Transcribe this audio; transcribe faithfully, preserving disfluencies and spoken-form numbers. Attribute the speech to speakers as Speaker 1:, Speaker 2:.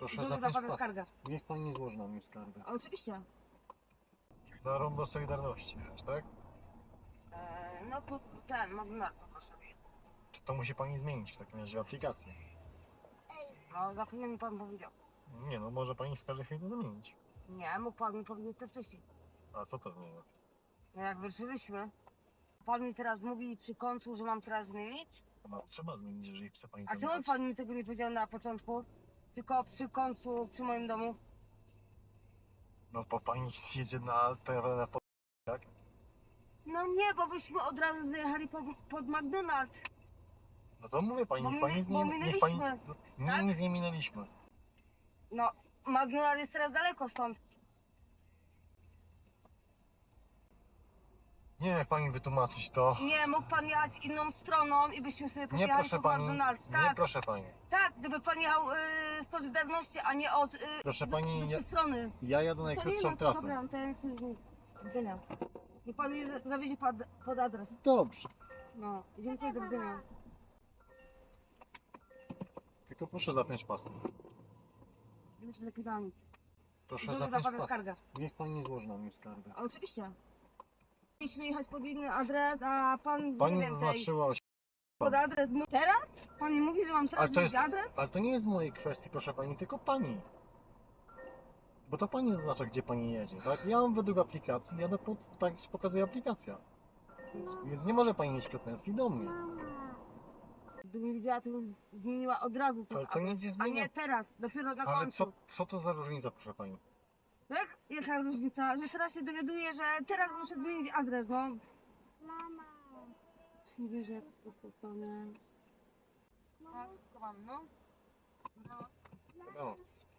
Speaker 1: Proszę
Speaker 2: Złożę na
Speaker 1: zapiąć
Speaker 2: pana
Speaker 1: pas.
Speaker 2: skargę.
Speaker 1: Niech pani złoży na mnie skargę.
Speaker 2: Oczywiście.
Speaker 1: Na rondo Solidarności, wiesz, tak?
Speaker 2: Eee, no to ten, magnator proszę.
Speaker 1: Czy to musi pani zmienić w takim razie aplikację?
Speaker 2: No, zapewne mi pan powiedział.
Speaker 1: Nie no, może pani w każdej chwili to zmienić.
Speaker 2: Nie, mógł pan mi powiedzieć to wcześniej.
Speaker 1: A co to zmienia?
Speaker 2: No jak wyruszyliśmy, pan mi teraz mówi przy końcu, że mam teraz zmienić?
Speaker 1: No, trzeba zmienić, jeżeli chce pani
Speaker 2: A
Speaker 1: to
Speaker 2: czemu
Speaker 1: zmienić.
Speaker 2: pan mi tego nie powiedział na początku? Tylko przy końcu, przy moim domu?
Speaker 1: No bo pani jedzie na teren, tak?
Speaker 2: No nie, bo byśmy od razu zajechali pod, pod McDonald's.
Speaker 1: No to mówię pani,
Speaker 2: Bo
Speaker 1: niech
Speaker 2: my-
Speaker 1: pani z
Speaker 2: bo
Speaker 1: nim, niech pani...
Speaker 2: minęliśmy,
Speaker 1: Nie,
Speaker 2: tak?
Speaker 1: nic nie minęliśmy.
Speaker 2: No, McDonald's jest teraz daleko stąd.
Speaker 1: Nie wiem jak pani wytłumaczyć to.
Speaker 2: Nie, mógł pan jechać inną stroną i byśmy sobie
Speaker 1: Nie
Speaker 2: pojechali
Speaker 1: proszę
Speaker 2: pod
Speaker 1: pani,
Speaker 2: McDonald's.
Speaker 1: nie
Speaker 2: Tak,
Speaker 1: proszę pani.
Speaker 2: tak, gdyby pan jechał y, z Solidarności, a nie od y,
Speaker 1: Proszę
Speaker 2: do,
Speaker 1: pani,
Speaker 2: do
Speaker 1: ja,
Speaker 2: tej strony.
Speaker 1: ja jadę
Speaker 2: To nie,
Speaker 1: najkrótszą
Speaker 2: no to
Speaker 1: trasę.
Speaker 2: dobra, to ja nic nie zmienię. Do widzenia. Niech pan mnie zawiezie pod, pod adres.
Speaker 1: Dobrze.
Speaker 2: No, dziękuję, do widzenia.
Speaker 1: Tylko proszę zapiąć pasy.
Speaker 2: Już lepiej dam.
Speaker 1: Proszę
Speaker 2: Złożę na
Speaker 1: zapiąć
Speaker 2: pana
Speaker 1: pasy.
Speaker 2: skargę.
Speaker 1: Niech pani złoży na mnie skargę.
Speaker 2: Oczywiście. Mieliśmy jechać pod inny adres, a pan
Speaker 1: Pani
Speaker 2: nie wiem, tej-
Speaker 1: zaznaczyła...
Speaker 2: pod adres. mu- Teraz? Pan mi mówi, że mam teraz
Speaker 1: Ale to jest,
Speaker 2: zmienić adres?
Speaker 1: ale to nie jest w mojej kwestii, proszę pani, tylko pani. Bo to pani zaznacza, gdzie pani jedzie, tak? Ja mam według aplikacji, jadę pod, tak się pokazuje aplikacja. Więc nie może pani mieć pretensji do mnie.
Speaker 2: Gdybym widziała, to bym zmieniła od razu ten
Speaker 1: Ale to
Speaker 2: adres.
Speaker 1: nic nie
Speaker 2: A
Speaker 1: zmienia.
Speaker 2: nie teraz, dopiero na
Speaker 1: Ale
Speaker 2: końcu.
Speaker 1: co, co to za różnica, proszę pani?
Speaker 2: Jak? Jaka różnica? Że teraz się dowiaduję, że teraz muszę zmienić adres, no.
Speaker 3: Mama.
Speaker 2: Nie wierzę, jak po prostu stanę. Tak, schowam, no. No.
Speaker 1: Dobranoc.